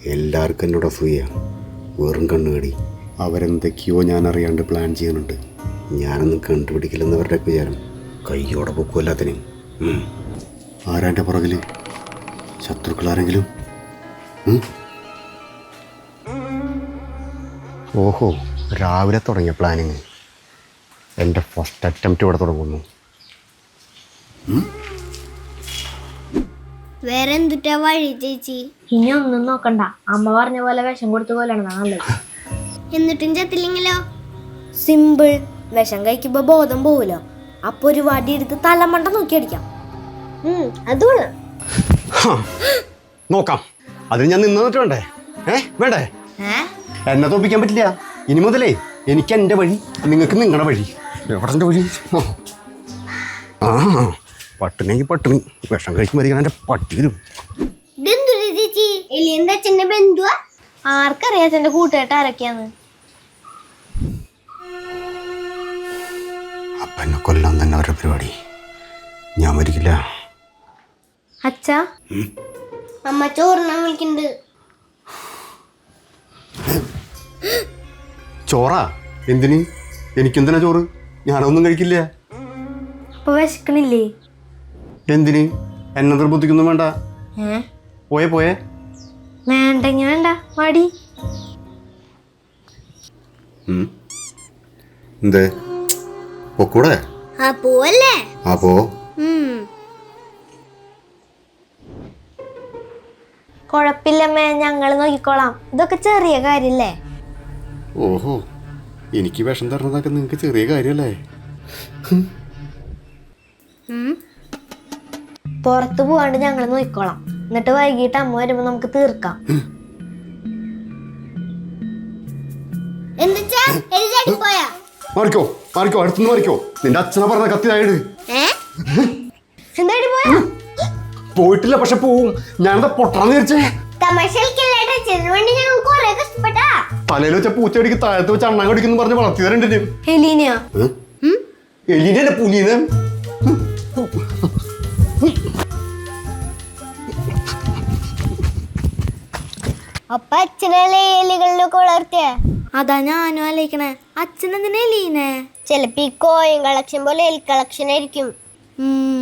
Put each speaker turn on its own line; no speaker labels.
എല്ലാവർക്കും എന്നോട് അസൂയ, വെറും കണ്ണുകടി. അവരെന്തൊക്കെയോ ഞാൻ അറിയാണ്ട് പ്ലാൻ ചെയ്യുന്നുണ്ട്. ഞാനൊന്നും കണ്ടുപിടിക്കില്ലെന്നവരുടെ വിചാരം. കയ്യോടെ പൊക്കുമല്ലാത്തിനും. ആരാൻ്റെ പുറകിൽ? ശത്രുക്കളാരെങ്കിലും? ഓഹോ, രാവിലെ തുടങ്ങിയ പ്ലാനിങ്. എൻ്റെ ഫസ്റ്റ് അറ്റംപ്റ്റ് ഇവിടെ തുടങ്ങുന്നു.
വേറെ എന്തുട്ടാ വഴി ചേച്ചി?
ഇനി ഒന്നും നോക്കണ്ട, അമ്മ പറഞ്ഞ പോലെ വിഷം കൊടുത്ത പോലെയാണ് നല്ലത്.
എന്നിട്ടും ചത്തില്ലെങ്കിലോ?
സിമ്പിൾ, വിഷം കഴിക്കുമ്പോ ബോധം പോവുമല്ലോ, അപ്പൊ ഒരു വടി എടുത്ത് തലമണ്ട നോക്കി അടിക്കാം. അതുകൊണ്ട്
നോക്കാം. അതിന് ഞാൻ നിന്നിട്ട് വേണ്ടേ? വേണ്ടേ? എന്നെ തോപ്പിക്കാൻ പറ്റില്ല. ഇനി മുതലേ എനിക്ക് എൻ്റെ വഴി, നിങ്ങൾക്ക് നിങ്ങളുടെ വഴി. എവിടെ എൻ്റെ വഴി? പട്ടിണിക്ക് പട്ടിണി, വിഷം കഴിക്കുമ്പോൾ എൻ്റെ പട്ടി വരും.
ചേച്ചി എലിയന്റെ അച്ഛന്റെ ബന്ധുവാ?
ആർക്കറിയാത്ത എന്റെ കൂട്ടുകെട്ട് ആരൊക്കെയാന്ന്?
അപ്പൊ എന്നെ കൊല്ലാൻ തന്നെ അവരുടെ പരിപാടി. ഞാൻ മരിക്കില്ല.
അച്ഛാ,
അമ്മ ചോറിനാൻ വിളിക്കുന്നുണ്ട്.
ചോറാ? എന്തിന്? എനിക്കെന്തിനാ ചോറ്? ഞാനൊന്നും കഴിക്കില്ല.
അപ്പൊ വിശക്കണില്ലേ?
എന്തിന്? എന്നെ നിർബന്ധിക്കൊന്നും വേണ്ട. പോയേ പോയേ.
വേണ്ടെങ്കി വേണ്ട, മടി.
എന്തേ പൊക്കൂടെ?
ആ പോവല്ലേ?
ആ പോ.
കൊഴപ്പില്ലമ്മേ, ഞങ്ങള് നോക്കിക്കോളാം. ഇതൊക്കെ ചെറിയ കാര്യല്ലേ?
ഓഹോ, എനിക്ക് വിഷം തരുന്നതൊക്കെ നിങ്ങൾക്ക് ചെറിയ കാര്യമല്ലേ?
പുറത്തു പോവാണ്ട് ഞങ്ങള് നോക്കിക്കോളാം. എന്നിട്ട് വൈകിട്ട് അമ്മ വരുമ്പോ നമുക്ക് തീർക്കാം.
മാറിക്കോ മാറിക്കോ, അടുത്തുനിന്ന് മാറിക്കോ. നിന്റെ അച്ഛനെ പറഞ്ഞ കത്തിലായിട്.
എന്തായാലും പോയാ?
പോയിട്ടില്ല, പക്ഷെ പോവും. ഞാനെന്താ പൊട്ടാന്ന് വിചാരിച്ചേ? തലയിൽ വെച്ച പൂച്ചടിക്ക് താഴത്ത് വെച്ച് അണ്ണാൻ കടിക്കുന്നു പറഞ്ഞ് വളർത്തി തരണ്ട്.
എലീനയാ?
എലീനല്ലേ പുലീനെ?
അപ്പൊ അച്ഛനല്ലേ എലികളിലൊക്കെ വളർത്തിയ?
അതാ ഞാനും ആലോചിക്കണേ, അച്ഛനെന്തിനാ എലീനെ?
ചിലപ്പോ ഈ കോയിൻ കളക്ഷൻ പോലെ എലി കളക്ഷൻ ആയിരിക്കും.